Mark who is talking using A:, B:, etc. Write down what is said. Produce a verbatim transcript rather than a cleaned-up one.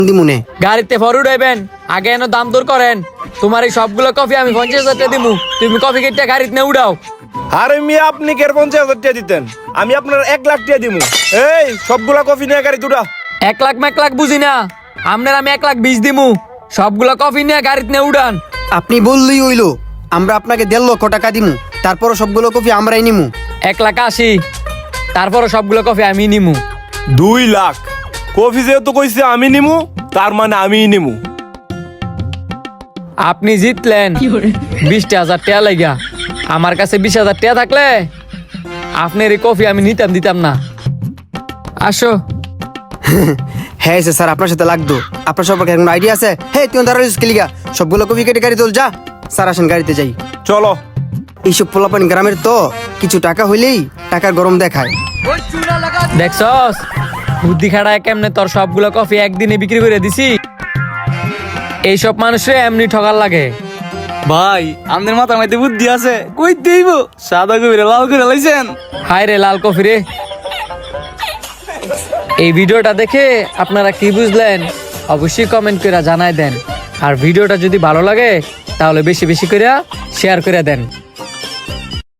A: দিমুনে
B: গাড়িতে ফর উঠাইবেন, আগে এনে দাম দর করেন। তোমার এই সবগুলো কফি আমি পঞ্চাশ হাজার টাকা দিমু, তুমি কফি কেটে গাড়িতে নে উঠাও।
C: আরে মিয়া আপনি কের পঞ্চাশ হাজার টাকা দিতেন, আমি আপনার এক লাখ টাকা দিমু। এই সবগুলা কফি নিয়ে গাড়ি দুটা।
B: এক লাখ এক লাখ বুঝি না, আপনার আমি এক লাখ বিশ দিমু, সবগুলো কফি নিয়ে গাড়িতে নে উঠান।
A: আপনি বললেই হইলো, আমরা আপনাকে দেড় লক্ষ টাকা দিমু, তারপরও সবগুলো কফি আমরাই নিমু।
B: এক লাখ আশি, তারপরও সবগুলো কফি আমি নিমু।
C: দুই লাখ কফি যেহেতু কইছে আমি নিমু, তার মানে আমিই নিমু।
B: আপনি জিতলেন বিশটা হাজার টাকা লাগা। আমার কাছে বিশ হাজার টাকা থাকলে আপনার এই কফি আমি নিতাম দিতাম না। আসো।
A: হ্যাঁ স্যার, আপনার সাথে লাগতো। আপনার সম্পর্কে কোনো আইডিয়া আছে? হ্যাঁ তুই দাঁড়াইছিস কি লিগা? সবগুলো কফি কেটে গাড়ি তোল যা। স্যার আসেন গাড়িতে যাই।
C: চলো।
A: এইসব পোলাপান গ্রামের তো কিছু টাকা হইলেই টাকার গরম দেখায়।
B: দেখছস বুদ্ধি খাড়ায় কেমনে তোর সবগুলো কফি একদিনে বিক্রি করে দিছি। এইসব মানুষে এমনি ঠকার লাগে।
D: ভাই আমাদের মাথার মধ্যে বুদ্ধি আছে, কই দেইব সাদা কবিরে লাল করে লাইছেন।
B: হায় রে লাল কফি রে। এই ভিডিওটা দেখে আপনারা কি বুঝলেন অবশ্যই কমেন্ট করে জানাই দেন। আর ভিডিওটা যদি ভালো লাগে তাহলে বেশি বেশি করে শেয়ার করে দেন।